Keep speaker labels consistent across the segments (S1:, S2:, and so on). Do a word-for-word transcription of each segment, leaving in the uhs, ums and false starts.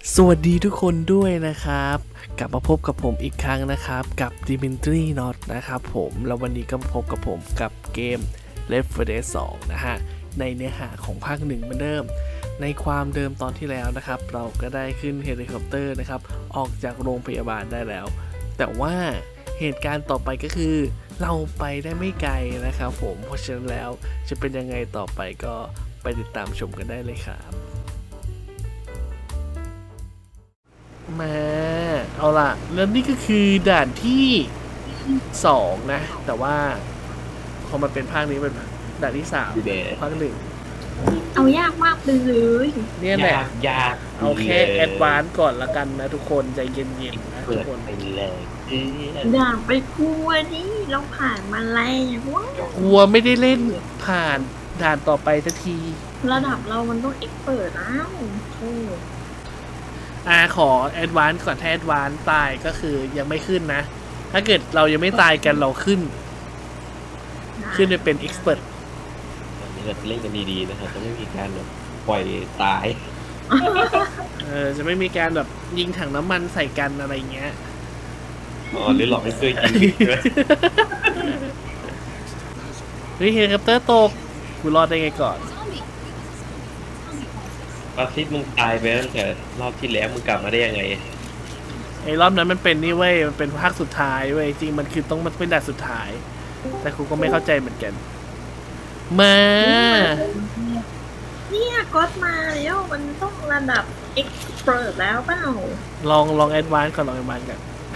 S1: สวัสดีทุกคนด้วยนะครับกลับมาพบกับผมอีกครั้งนะครับกับ Dimitri Not นะครับผมแล้ววันนี้ก็พบกับผมกับเกม Left โฟร์ Dead ทูนะฮะในเนื้อหาของภาคหนึ่งเหมือนเดิมในความเดิมตอนที่แล้วนะครับเราก็ได้ขึ้นเฮลิคอปเตอร์นะครับออกจากโรงพยาบาลได้แล้วแต่ว่าเหตุการณ์ต่อไปก็คือเราไปได้ไม่ไกลนะครับผมเพราะฉะนั้นแล้วจะเป็นยังไงต่อไปก็ไปติดตามชมกันได้เลยครับมาเอาล่ะแล้วนี่ก็คือด่านที่สองนะแต่ว่าพอมันเป็นภาคนี้เป็นด่านที่สามภาคหนึ่ง
S2: เอายากมากเลย
S1: เนี่ยแหละ
S3: ยากยาก
S1: เอาแค่แอดวานซ์ก่อนละกันนะทุกคนใจเย็นๆนะทุ
S3: เปิ
S1: ก
S3: ด
S1: คน
S3: ไปเลยเอ้ย
S2: อย่าไปกลัวนี่เราผ่านมาแล้วว้าว
S1: กลัวไม่ได้เล่นผ่านด่านต่อไปสักที
S2: ระดับเรามันต้องเอ็กเปิดแล้วโอ้
S1: อ่าขอแอดวานซ์ก่อนถ้าแอดวานซ์ตายก็คือยังไม่ขึ้นนะ ถ้าเกิดเรายังไม่ตายกันเราขึ้น ขึ้นไปเป็นเอ็กซ์เพรส
S3: อันนี้เราจะเล่นกันดีๆนะครับจะไม่มีการแบบปล่อยตาย
S1: เออจะไม่มีการแบบยิงถังน้ำมันใส่กันอะไรเงี้ย
S3: อ๋อหรือหลอกให้เพื่อนยิงใช่ไหม
S1: เฮ้ยเฮลิคอปเตอร์ตกกูรอดได้ไงก่อน
S3: ปาซิสมึงตายไปตั้งแต่รอบที่แล้วมึงกลับมาได้ยังไง
S1: ไอ้รอบนั้นมันเป็นนี่เว้ยมันเป็นภาคสุดท้ายเว้ยจริงมันคือต้องมันเป็นด่านสุดท้าย แต่ครูก็ไม่เข้าใจเหมือนกัน มา
S2: เนี่ยก็มาแล้วมันต้องระดับเอ็กเปิดแล้วเปล่า
S1: ลองลองแอดวานซ์ก่อนลองแอดวานซ์กัน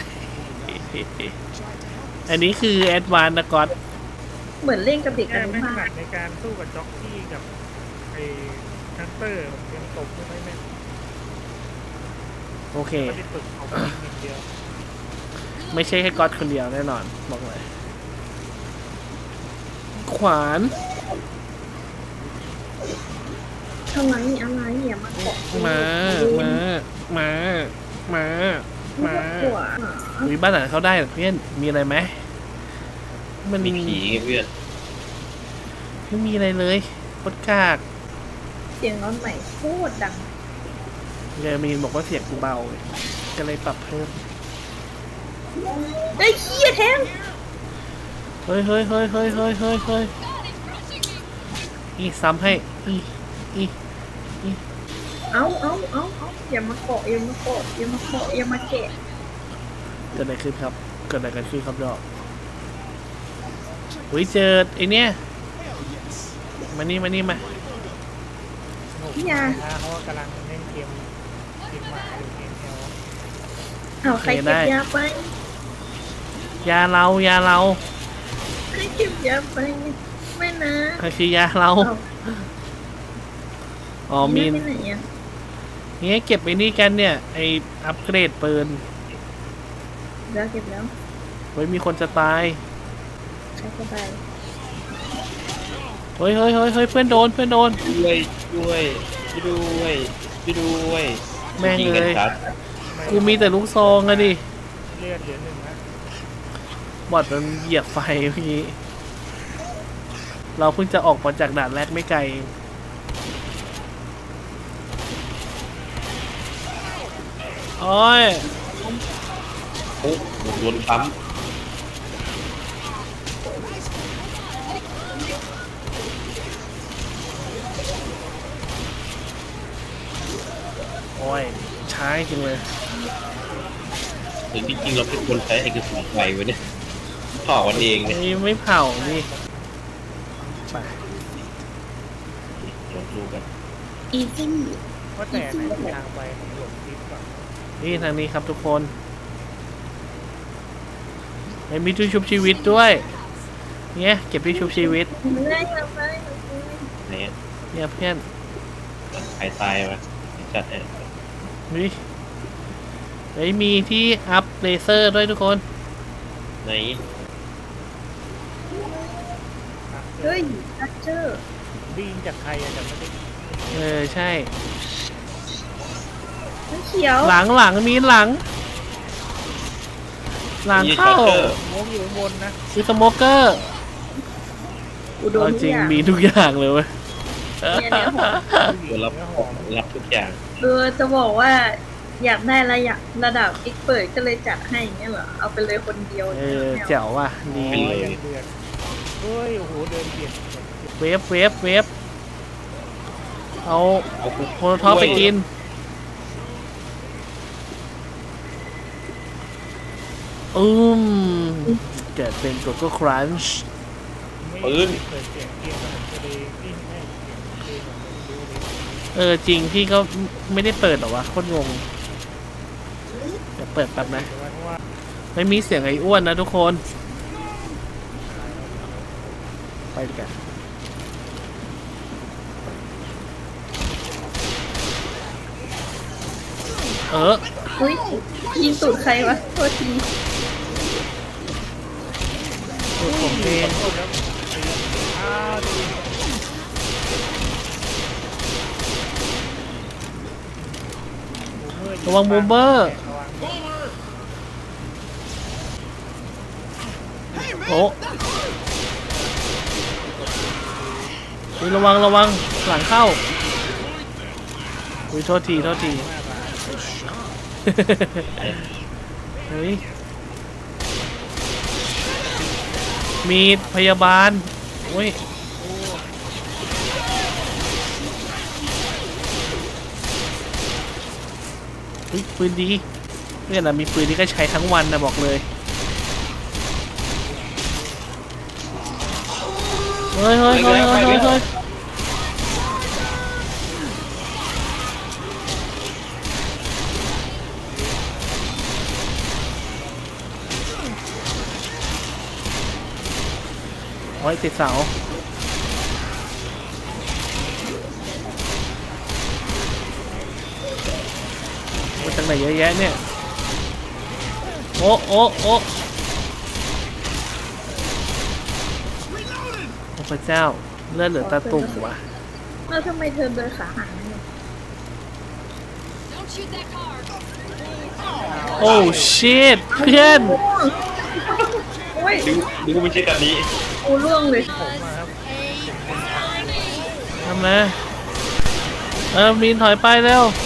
S1: อันนี้คือแอดวานซ์นะก๊อต
S2: เหมือนเล่นกับเด็กอ
S4: แต่
S2: นุ
S4: ไม่ถ
S2: บา
S4: นั
S2: ล
S4: ดในการสู้กับจ็อกกี้กับไอ้ฮันเตอร์ผมยังตกไม่ค่อยแม่น
S1: โอเค
S4: ไม่ได้ฝึกเอาไปยิงอย่างเดียว
S1: ไม่ใช่แค่ก๊อตคนเดียวแน่นอนบอกเลย ขวาน
S2: อะไรอะไรอย่ามาเกาะ
S1: มา มา มา มา มา
S2: หัว
S1: มีบ้านไหนเข้าได้เหรอเพื่อนมีอะไรไหมมัน
S3: มีผีไงเพื่อน
S1: ไม่มีอะไรเลยโคตรกาก
S2: เสียงร้อนใหม่โคตรดัง
S1: เยมีนบอกว่าเสียงกูเบาก็เลยปรับเพิ่ม
S2: ไอ้เหี้ยแทน
S1: เฮ้ยเฮ้ยเฮ้ยเฮ้ยเฮ้ยเฮ้ยเฮ้ยอีซ้ำให้อีอี
S2: เอาเอาเอาเอาอย่ามาเกาะอย่ามาเกาะอย่ามาเกาะอย่ามาแกะ
S1: เกิดอะไรขึ้นครับเกิดอะไรกันขึ้นครับดอกอุ้ยเจอไอเนี้ยมานี่มานี่มา
S4: สนุก
S2: อย่า
S4: นะเพราะว่ากำลังเล่นเกมเกมหมาอยู่เกมแอล
S2: เอาใครเก็บยาไป
S1: ยาเรายาเรา
S2: ใครเก็บยาไปไม่นะ
S1: ใครคือยาเรา
S2: เอา
S1: อ๋อมีน
S2: ไปไหนอ่ะ
S1: เนี่ยเก็บไอ้นี่กันเนี่ยไออัปเกรดปืน
S2: เดี๋ยวเก็บแล้ว
S1: เฮ้ยมีคนจะตาย
S2: ใครก็ไป
S1: เฮ้ยเฮ้ยเฮ้ยเฮ้ยเพื่อนโดนเพื่อนโดน
S3: ช่วยช่วยช่วยด้วยช่วยด้วย
S1: แม่ง
S3: ยิ
S1: เลย
S3: กันชัด
S1: กูมีแต่ลูกซองอะดิ
S4: เลือดเหลือหนึ่งนะ
S1: บอดมันเหยียบไฟเมื่อกี้เราเพิ่งจะออกมาจากด่านแรกไม่ไกลเองโอ้ย
S3: โอ้โดนปั๊ม
S1: โอ้ยช้าจริงเลย
S3: ถึงจริงๆเราเป็นคนใช้เอกสารไฟไว้เนี่ยถอดวันเองเนี่ย
S1: นี่ไม่เผานี่ไป
S3: ลองดูกัน
S2: อีซี่
S4: ว่าแต่ไหนเป็นทางไปของหลวงทิพย์ก่อน
S1: นี่ทางนี้ครับทุกคนไอ้มีที่ชุบชีวิตด้วยเนี่ยเก็บที่ชุบชีวิต
S2: ไม่ได้ทำไม
S3: ไหนอะ
S1: เนี่ยเพื่อน
S3: ใครตายมาจัดเนี่ย
S1: นี่ไอ้ยมีที่อัพเลเซอร์ด้วยทุกคน
S3: ไหน
S2: เฮ้ยทัชเจอร์
S4: ได้ยินจากใครอะแต่ไม่ได้
S1: เออใช่
S2: น้ำเขียว
S1: หลังหลังมีหลัง หลังเข้า
S4: โมกอยู่ข้างบนนะ
S1: คือสโมเกอร์
S2: อุดม
S1: เอา
S2: ทุก
S1: จริง
S2: อย่าง
S1: มีทุกอย่างเลยเว้ย
S2: เนี่ยเนี่ยหอม
S3: ตัวรับรับทุกอย่าง
S2: เออจะบอกว่าอยากได้ระยะระดับเอ็กเปิดก็เลยจัดให้อย่างเงี้ยเหรอเอาไปเลยคนเดียว
S1: เออ
S2: ไม่า
S1: แจ๋วว่ะดี
S3: ไปเลย
S4: ยังเดือดเฮ้ยโอ้โหเดินเบียด
S1: เวฟเวฟเวฟเอา
S3: เอากู
S1: โมโนท็อปไปกินอืมเกิดเป็นโกโก้ครันช์
S4: ไม่เปิดเสียงเกมมันจะได้ไม่ให้เสียงเกมมันดูเลย
S1: เออจริงพี่ก็ไม่ได้เปิดหรอวะโคตรงงเดี๋ยวเปิดแป๊บนะ
S4: แต่ว่าเพราะว่า
S1: ไม่มีเสียงไอ้อ้วนนะทุกคนไปดีกันเออ
S2: อุ้ยยิงตูดใครวะโทษที
S1: สูตรผมเอง
S4: แล้วอ้าวดู
S1: ระวังบูมเบอร์
S4: ระวัง
S1: โอ้ยระวังระวังหลังเข้าอุ้ยโทษทีโทษทีเฮ้ยมีพยาบาลโอ้ยเฮ้ยปืนดีเนี่ยนะมีปืนที่ก็ใช้ทั้งวันนะบอกเลยเฮ้ยเฮ้ยเฮ้ยเฮ้ยเฮ้ยเฮ้ยโอ้ยติดเสามาจากไหนเยอะแยะเนี่ย โอ้โอ้โอ้โอ้พระเจ้าเลือดเหลือตาตุ่มว่ะ
S2: แล้วทำไมเธอเดินขาหันเนี่ย
S5: Don't shoot that car.
S1: โอ้ชิตเพื่อน
S2: โอ้ย
S3: ดูดูไม่ใช่แบบนี้
S2: กูร่วงเลย
S4: ผมมาครับ
S1: ทำนะเออมีนถอยไปเร็ว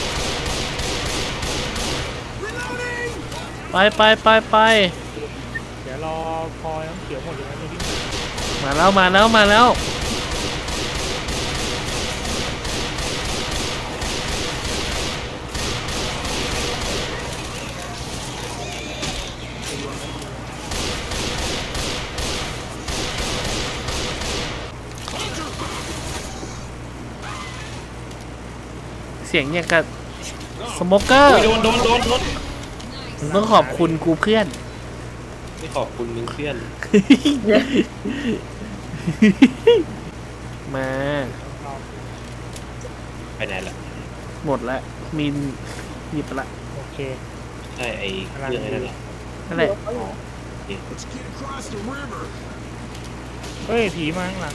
S1: ไปไปไปไป
S4: เดี๋ยวรอพอน้ำเขียวหมดอย่างนั้นจะวิ่งมา
S1: มาแล้วมาแล้วมาแล้วเสียงอย่างกับสโมเกอร์
S3: โอ้ยโดนโดนโดนโดน
S1: มึงต้องขอบคุณกูเพื่อน
S3: ไม่ขอบคุณมึงเพื่อน
S1: มา
S4: รอ
S3: ไปไหนล่ะ
S1: หมดละมินหยิบไปละ
S4: โอเค
S3: ใช่ไอ้เครื่องไอ้นั่นแหละ
S1: นั่นแหละ
S4: เฮ้ยผีมาข้างหลัง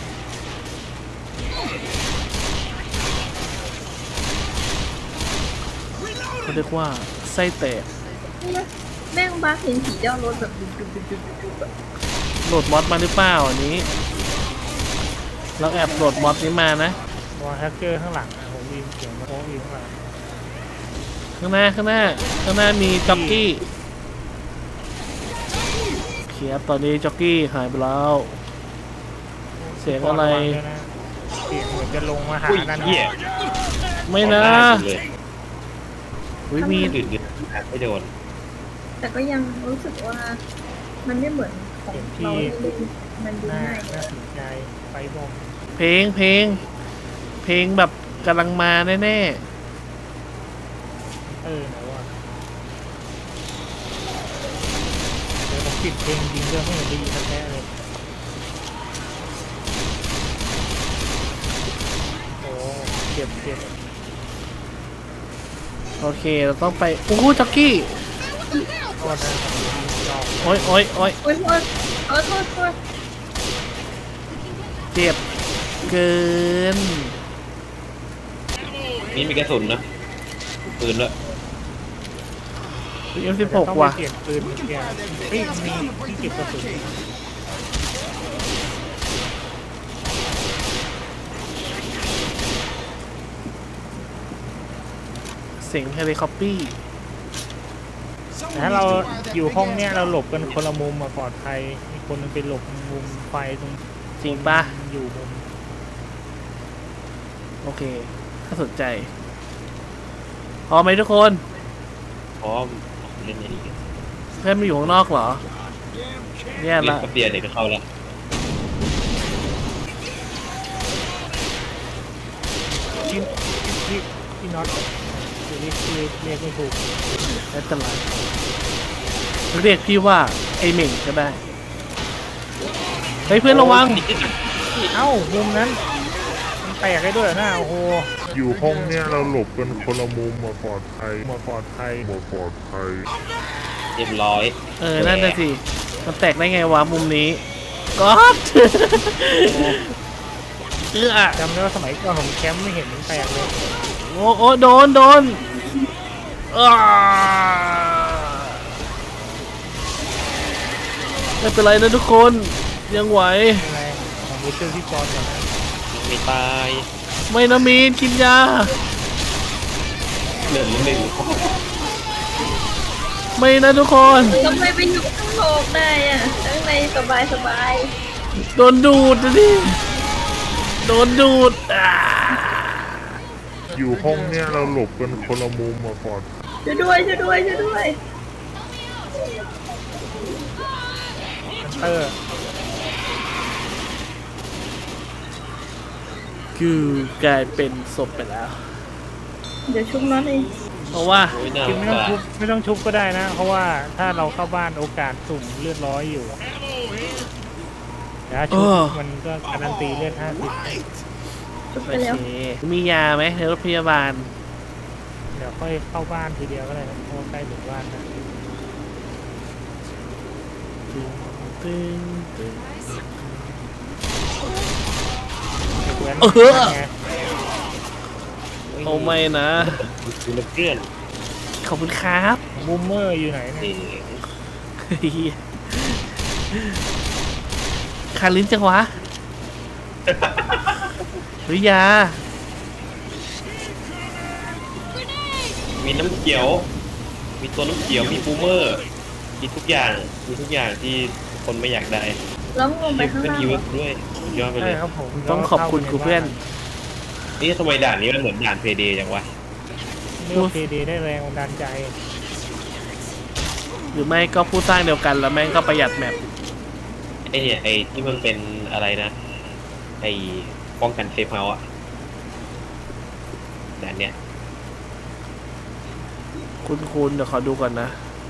S1: เขาเรียกว่าไส้แตก
S2: แม่งบ้าเห็นผีเจ้ารถแบบดุดุดุดุดุดุแบบ
S1: โหลดมอดมาหรือเปล่าอันนี้ เราแอบโหลดมอดนี้มานะ
S4: วอลแฮกเกอร์ข้างหลังนะผมวินเสียงมาโค้งวินข้างหลัง
S1: ข้างหน้าข้างหน้าข้างหน้ามีจ็อกกี้เขียบตอนนี้จ็อกกี้หายไปแล้ว เสียงอะไร
S4: วางด้วยนะเสียงเหมือนจะลงมาหา
S3: อุ้ย
S4: นั่น
S3: เหี้ย
S1: ไม่นะ
S3: ออกได้หมดเลย
S1: อุ้ยมี
S3: มีอื่นๆไม่โดน
S2: แต่ก็ยังรู้สึกว่า มันไม่เหมือนของเราที่เล่นมันดู
S4: น่า
S2: ง่าย
S4: น่าสนใจไฟบอม
S1: เพลงเพลง เพลงแบบกำลังมาแน่
S4: เออไหนวะเดี๋ยวผมปิดเพลงจริงเรื่องไม่เห็นได้ยินแท้ๆเลยโอ้เจ็บเจ็บ
S1: ๆโอเคเราต้องไปโอ้โหจ็อกกี้
S4: โทษนะผมลอง
S1: โอ้ยโอ้ยโอ้ย
S2: โอ้ยโทษเออโทษโทษ
S1: เจ็บเกิน
S3: นี่มีกระสุนนะปืนด้วย
S1: เอ็มสิบหก
S4: ต้อง
S1: ว่ะ
S4: ไปเปลี่ยนปืนเหมือนกันเฮ้ยมีที่เก็บกระสุน
S1: เสียงเฮลิคอปปี้
S4: แต่ถ้าเราอยู่ห้องเนี้ยเราหลบกันคนละมุมมาปลอดภัยมีคนนึงไปหลบมุมไฟตรง
S1: จริงปะ
S4: อยู่มุม
S1: โอเคน่าสนใจพร้อมไหมทุกคน
S3: พร้อมเล่นอะไรกัน
S1: เพื่อนไม่อยู่ข้างนอกเหรอแย่
S3: เล่น
S1: ละ
S3: แป๊บเดียวเดี๋ยวก็เข้าแล้ว
S4: ที่ที่ที่น็อตเรียกเรียกเรียกไม่ถูก
S1: ไม่เป็นไรเรียกพี่ว่าไอเหม่งก็ได้เฮ้ยเพื่อนระวัง
S4: เอ้ามุมนั้นมันแตกได้ด้วยเหรอหน้าโอ้โห
S5: อยู่ห้องเนี้ยเราหลบกันคนละมุมมาปลอดภัยมาปลอดภัยมาปลอดภัย
S3: เรียบร้อย
S1: เออนั่นน่ะสิมันแตกได้ไงวะมุมนี้ก็อดเออ
S4: จำได้ว่าสมัยก่อนผมแคมป์ไม่เห็นมันแตกเลย
S1: โอ้โอ้โดนโดนอ้าไม่เป็นไรนะทุกคนยังไหว
S4: อะไรของบูเชอร์ที่กรก่อนนะ
S3: ไม่ตาย
S1: ไม่นะมีนกินยา
S3: เหลือหนึ่ง
S1: ไม่นะทุกคน
S2: ทำไมไปอยู่ข้างนอกได้อะข้างในสบายสบาย
S1: โดนดูดนะดิโดนดูดอ่า
S5: อยู่ห้องเนี้ยเราหลบกันคนละมุมมาปลอดภัย
S2: ช่วยด้วยช่วยด้วยช่วยด้วย
S4: ฮันเตอร์
S1: คือกลายเป็นศพไปแล้ว
S2: เดี๋ยวชุบน้องเอง
S1: เพราะว่า
S3: โอ้ยน่า
S4: คือไม่ต้อง
S3: ว่า
S4: ชุบไม่ต้องชุบก็ได้นะ เพราะว่าถ้าเราเข้าบ้านโอกาสสุ่มเลือดร้อยอยู่แต่ถ้าชุบมันก็การันตีเลือดห้าสิบ
S2: ชุบ
S1: โอ
S2: ไปแล้ว
S1: เคมียาไหมในรถพยาบาล
S4: เดี๋ยวค่อยเข้าบ้านทีเดียวก็ได้นะเพราะว่าใกล้ถึงบ้านนะ
S1: ตึงตึงตึง
S4: เด็กแว้น
S1: เออ
S4: ไง
S1: โอ้ไม่นะ
S3: ดูแลเพื่อน
S1: ขอบคุณครับ
S4: บูมเมอร์อยู่ไหนเ
S3: เ
S4: นี่
S3: อย
S1: เหี้ยคาลิ้นจังวะหรือยา
S3: มีน้ำเขียว มีตัวน้ำเขียวมีบูมเมอร์ มีทุกอย่างมีทุกอย่างที่คนไม่อยากได้
S2: แล้วลงไป
S3: มี
S2: ข้าง
S3: เป็น
S2: ล่าง
S3: อีเวนต์ด้วยสุดยอดไปเล
S4: ใช่
S3: ย
S4: ครับผม
S1: ต้องขอบคุณครูเพื่อน
S3: นี่ทำไมด่านนี้มันเหมือนด่านเพเดย์จังวะ
S4: เลือกเพดีได้แรงบันดาลใจ
S1: หรือไม่ก็ผู้สร้างเดียวกันแล้วแม่งก็ประหยัดแมป
S3: ไอเนี่ยไอที่มันเป็นอะไรนะไอป้องกันเซฟเฮาส์อะด่านเนี้ย
S1: คุณคุณเดี๋ยวขอดูก่อนนะ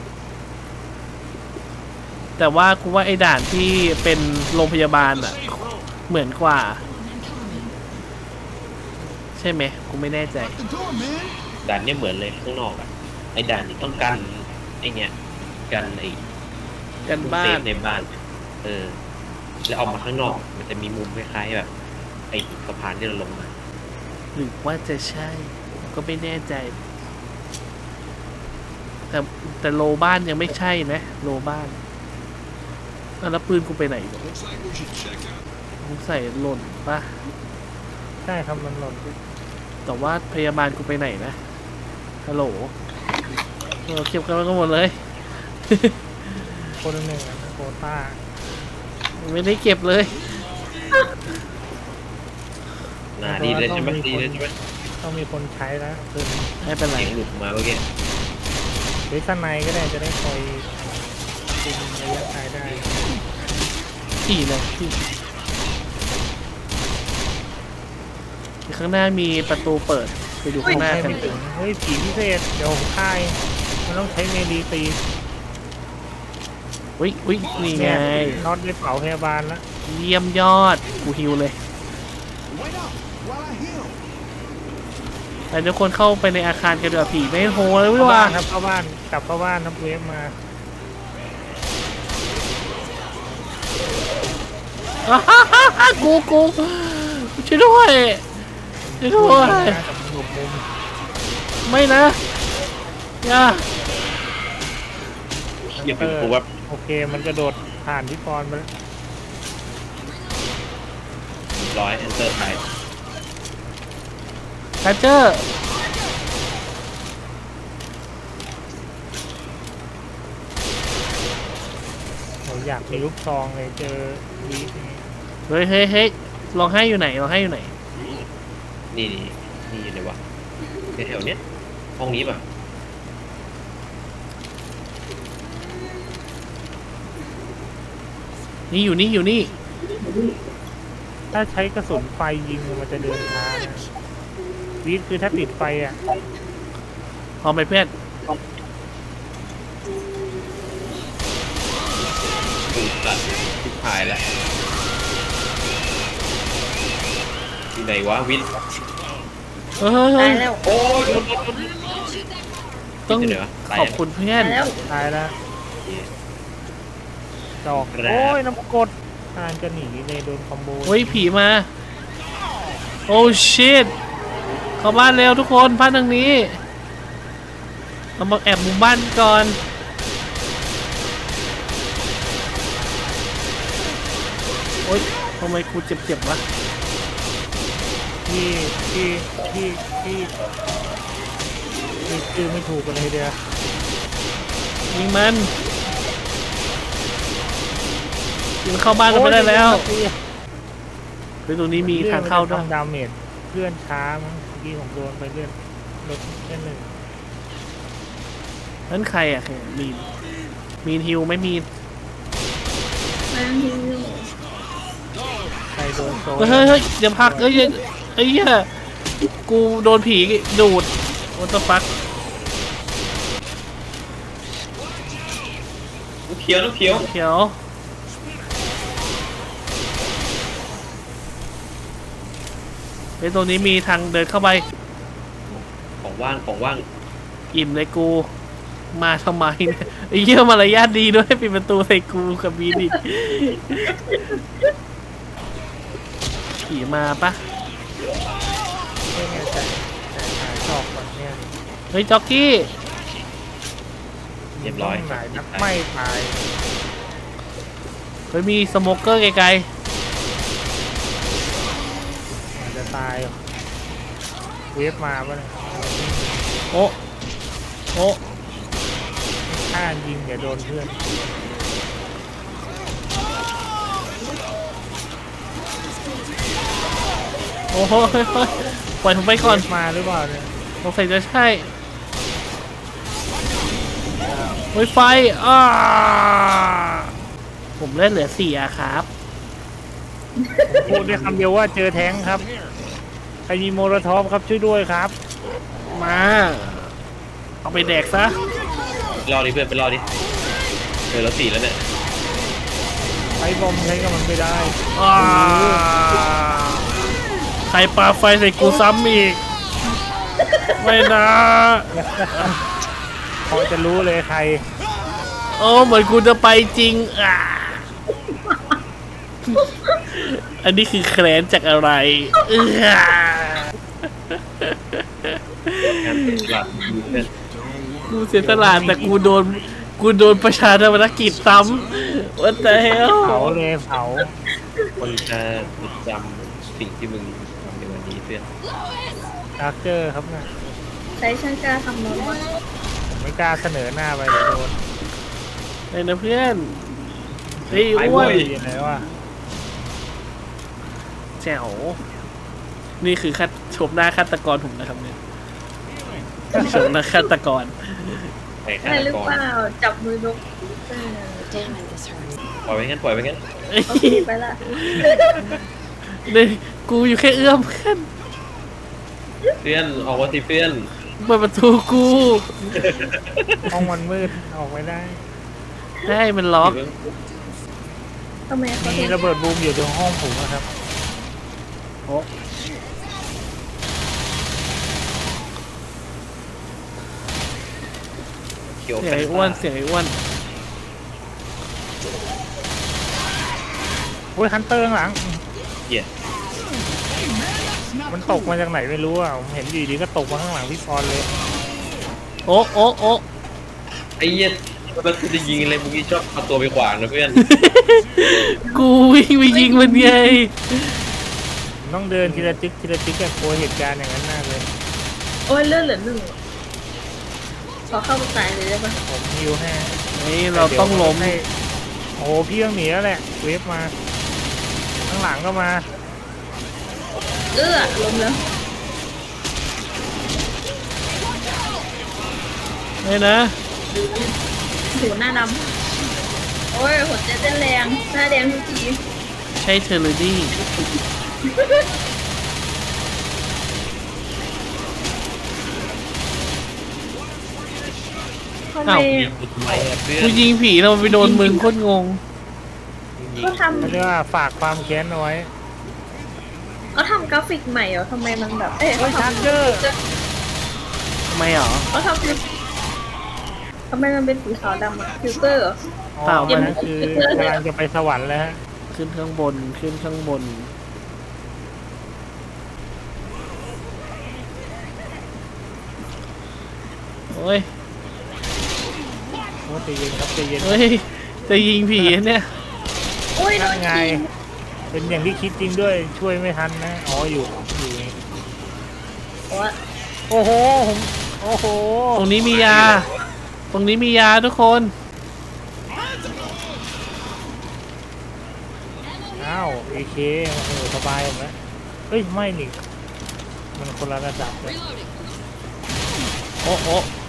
S1: แต่ว่ากูว่าไอ้ด่านที่เป็นโรงพยาบาลอะเหมือนกว่า ใช่ไหมกูไม่แน่ใจ
S3: ด่านเนี้ยเหมือนเลยข้างนอกอะไอด่านนี้ต้องกันไอเนี่ยกันไอ
S1: กันบ้า
S3: เซ
S1: น
S3: ฟในบ้าน เออ แล้วออกมาข้างนอก มันจะมีมุมคล้ายๆแบบ ไอ้สะพานที่เราลงมา
S1: หรือว่าจะใช่ก็ไม่แน่ใจ แต่แต่โลบ้านยังไม่ใช่นะโลบ้านอ่ะแล้วปืนกูไปไหนเนี่ยกูใส่หล่นปะ
S4: ใช่ครับมันหล่น
S1: แต่ว่าพยาบาลกูไปไหนนะฮัลโหลเออเก็บกันไว้กันหมดเลย
S4: คนละหนึ่งอะโคต้า
S1: ไม่ได้เก็บเลย
S3: น่าดีเลยใช่ไหมดีเลยใช่ไหม
S4: ต้องมีคนใช้แล้วคือ
S1: ไม่เป็นไร
S3: เสียงหลุดมาเมื่อกี้
S4: หรือสั้นในก็ได้จะได้คอยคุมระยะไกลได้
S1: ขี่เลยขี่ข้างหน้ามีประตูเปิดไปดูข้างหน้า
S4: ใช่
S1: กัน
S4: ไม่ถึงเฮ้ยผีพิเศษเดี๋ยวผมค่ายมันต้องใช้เมลีตี
S1: อุ้ยอุ้ยนี่ไง
S4: น็อตได้เผาพยาบาลแล้ว
S1: เยี่ยมยอดกูฮิวเลยแต่ทุกคนเข้าไปในอาคารกันเดือผีไม่โหเลยวิ
S4: เข้า
S1: ว่า
S4: บ้านครับเข้าบ้านกลับเข้าบ้านครับเวฟมา
S1: กูกูช่วยด้วยช่วยด้วย
S4: กับหลบมุม
S1: ไม่นะอย่า
S3: เดี๋ยวผมว่า
S4: โอเคมันกระโดดผ่านที่กรไปแล้ว
S3: ร้อยเอนเตอร์ไทย
S1: แพชเจอร์
S4: อยากมีลูกซองเลยเจอวีดนี้
S1: เฮ้ยเฮ้ยเฮ้ยลองให้อยู่ไหนลองให้อยู่ไหน
S3: นี่นี่นี่อยู่ไหนวะแถวๆเนี้ยห้องนี้ป่ะ
S1: นี่อยู่นี่อยู่นี่
S4: ถ้าใช้กระสุนไฟยิงมันจะเดินช้านะวีดคือถ้าติดไฟอ่ะ
S1: พร้อมไหมเพื่อน
S3: ถูกตัดทิพายแล้วที่ไหนวะวิน
S1: เฮ้ยเฮ้
S2: ตาย ยแล้ว
S3: โอ้ย
S1: ต้อง
S3: ที่ไหนวะตาย
S1: ขอบคุณเพื่อน
S2: ตายแล้ว
S4: ตายแล้วจอก
S3: ครับ
S4: โอ้ยน้ำกรดทานจะหนีเลยโดนคอมโบ
S1: เฮ้ยผีมา โอ้ชิตเข้าบ้านเร็วทุกคนบ้านทางนี้เรามาแอบมุมบ้านก่อนโอ๊ยทำไมกูเจ็บๆวะ
S4: ที่ที่ที่ที่ที่ชื่อไม่ถูกกันเลยเดียว
S1: ยิงมันยิงเข้าบ้านเราไม่ได้แล้วเฮ้ยตรงนี้มีทางเข้าด้วย
S4: ทำดาเมจเพื่อนช้ามั้งเมื่อกี้ผมโดนไปเลื่อนลดแค่หนึ่ง
S1: นั่นใครอ่ะมีนมีนฮิวไม่มีน
S2: นั่งฮิวอยู่
S4: ใครโดนโซ
S1: เฮ้ยเฮ้ยเฮ้ยเดี๋ยวพักเอ้ยไอ้เหี้ยกูโดนผีดูดโอ้ตฟัก
S3: น้ำเขียวน้ำเขียว
S1: เขียวเฮ้ยตรงนี้มีทางเดินเข้าไป
S3: ของว่างของว่าง
S1: อิ่มเลยกูมาทำไมเนี่ยไอ้เหี้ยมารยาทดีด้วยปิดประตูใส่กูกับบีดิผีมาปะ
S4: ไม่แน่ใจแต่หาจอกก่อนเนี่ย
S1: เฮ้ยจ็อกกี้
S3: เรียบร้อย
S4: ต้งไหนนับไม่ตาย
S1: เฮ้ยมีสโมเกอร์ไกล
S4: มันจะตายเวฟมาปะเนี่ย
S1: ๆโอ้โอ้
S4: ถ้ายิงอย่าโดนเพื่อน
S1: โอ้โหเฮ้ยเฮ้ยปล่อยผมไปก่อน
S4: เวฟมาหรือเปล่าเนี่ย
S1: สงสัยจะใช่เฮ้ยไฟอ้าผมเล่นเหลือสี่อะครับ
S4: พูดได้คำเดียวว่าเจอแท้งครับใครมีโมโลทอฟครับช่วยด้วยครับ
S1: มา เอาไปแดกซะ
S3: รอดิเพื่อนไปรอดิเจอแล้วสี่แล้วเนี่ย
S4: ใช้บอมใช้กับมันไม่ได้
S1: อ้าใครปาไฟใส่กูซ้ำอีก ไม่นะ
S4: พอจะรู้เลยใคร
S1: โอ้เหมือนกูจะไปจริงอ่าอันนี้คือแคลนจากอะไรเออง
S3: านเป็นหลักเพื่อน
S1: กูเสียสละแต่กูโดนกูโดนประชาธรรมกิจซ้ำว่าแต่เฮล
S4: เผาเลยเผา
S3: คนจะจำสิ่งที่มึงทำในวันนี้เพื่อน
S4: ดาร์เจอร์ครับนะ
S2: ใช้ช่างกล้าทำรถ
S4: ผมไม่กล้าเสนอหน้าไปเดี๋ยวโดน
S1: ไอ้นะเพื่อนเฮ้ย
S3: ไป
S1: อ้
S3: เว้
S1: วน
S3: ย
S4: ยังไงวะ
S1: แจ๋วนี่คือคัดชมหน้าฆาตกรผมนะครับเนี่ยชมหน้าฆาตกร
S3: ไอ้ฆา
S2: ได้
S3: ต
S2: หรือก
S3: ร
S2: เปล่าจับมือนกเออ
S6: Damn it, this hurts.
S3: ปล่อยไปงั้นปล่อยไปงั้น
S2: โอเคไปละ
S1: เนี่ยกูอยู่แค่เอื้อมเพื่อน
S3: เพื่อนออกมาสิเพื่อน
S1: เปิดประตูกู
S4: ห้องมันมืดออกไม่ได้
S1: ได้มันล็อก
S2: ทำไมเขา
S4: มี
S2: ถึง
S4: ระเบิดบูมอยู่ตรงห้องผมนะครับ
S1: โอ้
S3: เขียว
S1: เสียงไอ้อ้วนเสียงไอ้อ้วน
S4: โอ้ยฮันเตอร์ข้างหลัง
S3: เหี้ย
S4: มันตกมาจากไหนไม่รู้อ่ะผมเห็นอยู่ดีก็ตกมาข้างหลังพี่ปอนเลย
S1: โอ้โอ้โอ้
S3: ไอ้เหี้ยมันจะยิงอะไรมึงนี่ชอบเอาตัวไปขวางนะเพื่อน
S1: กูวิ่งไปยิงมันไง
S4: ผมต้องเดินทีละจิ๊กทีละจิ๊กอะกลัวเหตุการณ์อย่างนั้นมากเลย
S2: โอ้ยเลือดเหลือหนึ่งขอเข้าไปตายเลยได้ปะ
S4: ผมฮิวให้
S1: นี่เราต้องล้ม
S4: ให้โอ้โหพี่ต้องหนีแล้วแหละเวฟมาข้างหลังก็มา
S2: เอื้อล้มแล้ว
S1: ไม่นะ
S2: หูหน้าดำโอ้ยหัวใจเต้นแรงหน้าแดงทุกที
S1: ใช่เทอร์เลดี้
S2: ทำไม
S1: อ้าว
S3: ทำไมอะเพื่อน
S1: กูยิงผีเราไปโดนมึงโคตรงง
S2: เขาท
S4: เขาเรียกว่าฝากความแค้นเอาไว้
S2: ำเขาทำกราฟิกใหม่เหรอทำไมมันแบบ เอ๊ะ
S4: โอ้
S2: เขา
S4: ยชาร์
S2: ทำ
S4: เจอร์
S1: ทำไมหรอ
S2: เขาทำเป็นทำไมมันเป็นสีขาวดำอะฟิลเตอร์เหรอ
S1: เปล่า
S4: มันนคือกำลังจะไปสวรรค์แล้วฮะ
S1: ขึ้นข้างบนขึ้นข้างบน โอ้ย
S4: โอ้ใจเย็นครับใจเย็น
S1: เฮ้ย จะยิงผีเนี่ย
S2: โอ้ยโด
S4: นั่
S2: น
S4: นไง
S2: ที
S4: เป็นอย่างที่คิดจริงด้วยช่วยไม่ทันนะ อ๋ออยู่อยู่นี่
S2: โอ้ย
S4: โอ้โหผมโอ้โห
S1: ตรงนี้มียา ตรงนี้มียาทุกคน
S4: อ้าวเอเคโอ้โหสบายผมแล้วเฮ้ยไม่นี่มันคนละระดับเลย
S1: โอ้โอ้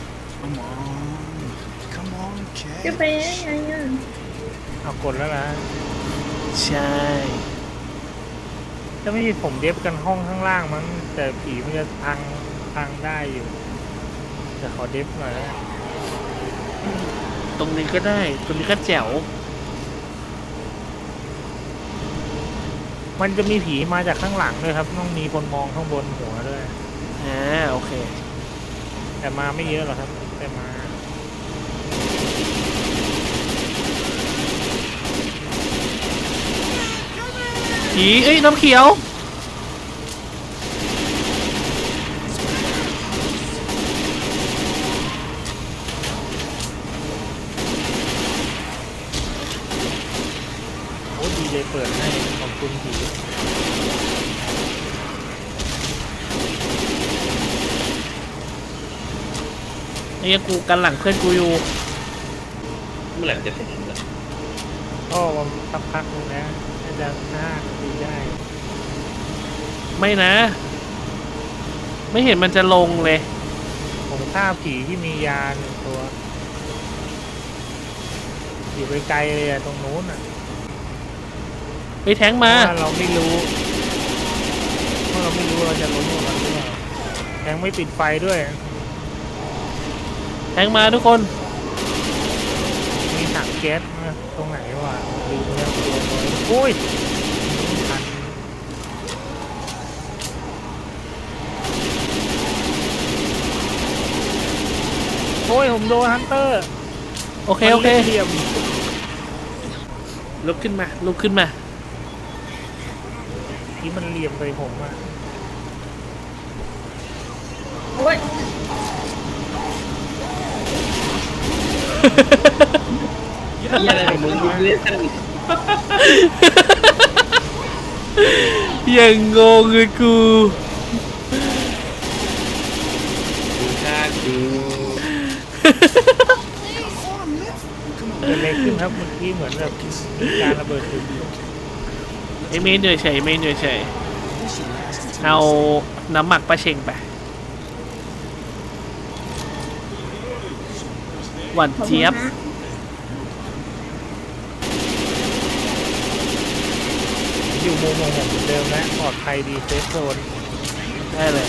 S2: จะไปยังไงอ่ะ
S4: เอากดแล้วนะ
S1: ใช่
S4: ถ้าไม่มีผมเดฟกันห้องข้างล่างมั้งแต่ผีมันจะพังพังได้อยู่แต่ขอเดฟหน่อยนะ
S1: ตรงนี้ก็ได้ ตรงนี้ก็แจ๋ว
S4: มันจะมีผีมาจากข้างหลังด้วยครับต้องมีคนมองข้างบนหัวด้วย
S1: อ่า โอเค
S4: แต่มาไม่เยอะหรอกครับ แต่มา
S1: ผี เอ้ย น้ำเขียว
S4: โอ้ดีเลยเปิดให้ขอบคุณผี
S1: ไอ้เหี้ยกูกันหลังเพื่อนกูอยู่
S3: เมื่อไหร่จะเสร็จนะ
S4: ก็สักพักนึงนะน่าจะห้านาทีได้
S1: ไม่นะ ไม่เห็นมันจะลงเลย
S4: ผมฆ่าผีที่มียาหนึ่งตัว อยู่ไกลๆเลยอะตรงนู้นอะ
S1: ไปแทง
S4: เพ
S1: มา
S4: ราะว่าเราไม่รู้เพราะเราไม่รู้เราจะล้มลงมาหรือเปล่ายังไม่ปิดไฟด้วย
S1: แทงมาทุกคน
S4: มีถังแก๊สนะตรงไหนวะลืมแล้วตัวน้อยโอ้ยทันโอ้ยผมโดนฮันเตอร์
S1: โอเค โอเค
S4: มันล่นเหลี่ยม
S1: ลุกขึ้นมา ลุกขึ้นมา
S4: ที่มันเหลี่ยมใส่ผมอะ
S2: โอ้ย
S3: ยี่อะไรของมึงเล่น
S1: ยังงงเลยกู
S3: ดูชาดู
S4: เกิดอะไรขึ้นครับเมื่อกี้เหมือนแบบมีการระเบิดตึก
S1: ไอเมนเหนื่อยเฉยเมนเหนื่อยเฉยเอาน้ำหมักปลาเชงไป หวานเจี๊ยบ
S4: อยู่มุมของผมเหมือนเดิมนะปลอดภัยดีเซฟโซน
S1: ได้เลย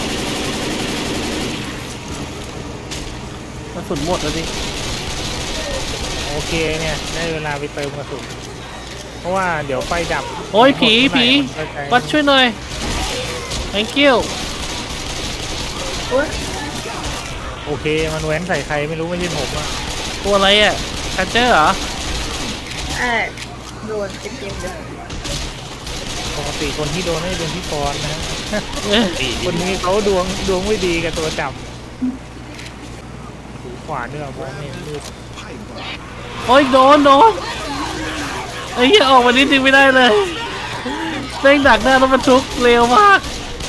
S1: กระสุนหมดแล้วดิ
S4: โอเคเนี่ยได้เวลาไปเติมกระสุนเพราะว่าเดี๋ยวไฟดับ
S1: โอ้ยผีผี
S4: มันก็ใช้
S1: วัดช่วยหน่อย thank you
S2: โอ้ย
S4: โอเคมันแว้นใส่ใครไม่รู้ไม่ใช่ผมอะ
S1: ตัวอะไรอ่ะคันเจอร์เหรอ
S2: ไอ้โดนเต็มๆเลย
S4: ปกติคนที่โดนไม่เป็นพี่กรณ์นะ
S1: เอ้ย
S3: ตี
S4: คนนี้เขาดวงดวงไม่ดีกับตัวจับหูขวาเนี่ยมองไม่เห็นมืด
S1: โอ้ยโดนโดนไอ้เหี้ยออกมานิดนึงไม่ได้เลยเร่งดักหน้ารถบรรทุกเร็วมาก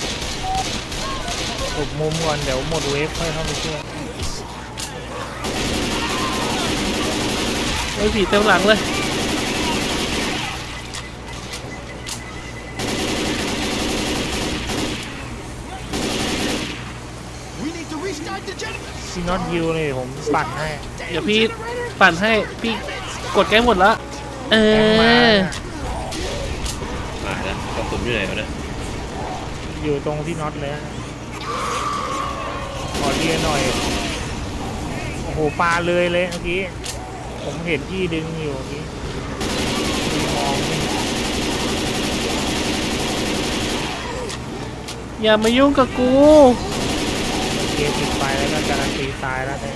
S4: หลบมุมก่อนเดี๋ยวหมดเวฟค่อยเข้าไปช่วย
S1: ไอ้ผีเต็มหลังเลย
S4: น็อตฮิวเลยผมปั่นให้
S1: เดี๋ยวพี่ปั่นให้พี่กดใกล้หมดละเอ
S4: แทงมา
S1: อ
S3: มาแล้วกระสุนอยู่ไหนวะเนี่ย
S4: อยู่ตรงที่น็อตเลยนะขอเรียนหน่อยโอ้โหปลาเลยเลยเมื่อกี้ผมเห็นพี่ดึงอยู่เมื่อกี้มองไม่เห็น
S1: อย่ามายุ่งกับกู
S4: เกมปิดไฟแล้วก็การันตีตายแล้วเนี่ย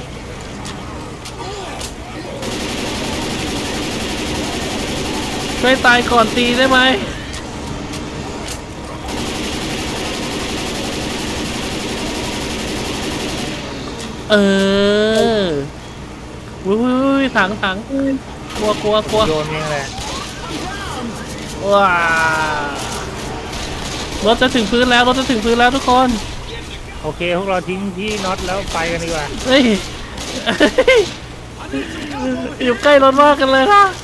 S1: ช่วยตายก่อนตีได้ไหมเออวุ้ยวุ้ยวุ้ยถังถังกลัวกลัวกลัว
S4: โยนเองแหละ
S1: ว้ารถจะถึงพื้นแล้วรถจะถึงพื้นแล้วทุกคน
S4: โอเคพวกเราทิ้งที่น็อตแล้วไปกันดีกว่า
S1: เฮ้ย อยู่ใกล้รถมากกันเลยนะ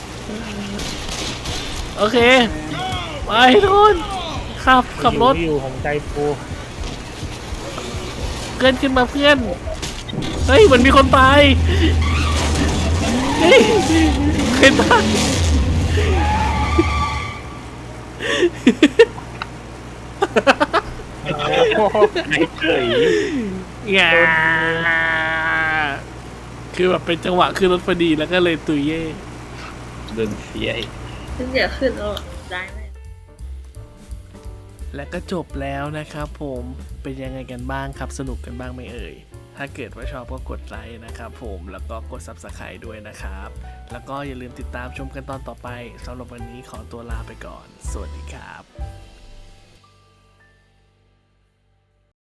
S1: โอเคไปทุกคนขับขับรถ
S4: อยู่ผมใจฟู
S1: เพื่อนขึ้นมาเพื่อนเฮ้ยเหมือนมีคนตายเฮ้ยเคยตาย
S4: โอ้โห
S3: ไอ้เฉย
S1: งาคือแบบเป็นจังหวะขึ้นรถพอดีแล้วก็เลยตุยเย่
S3: เดินเสียอีก
S2: ฉันเดี๋ยวขึ้นแล้วได้ไหม
S1: และก็จบแล้วนะครับผมเป็นยังไงกันบ้างครับสนุกกันบ้างไหมเอ่ยถ้าเกิดว่าชอบก็กดไลค์นะครับผมแล้วก็กด ซับสไครบ์ ด้วยนะครับแล้วก็อย่าลืมติดตามชมกันตอนต่อไปสำหรับวันนี้ขอตัวลาไปก่อนสวัสดีครับ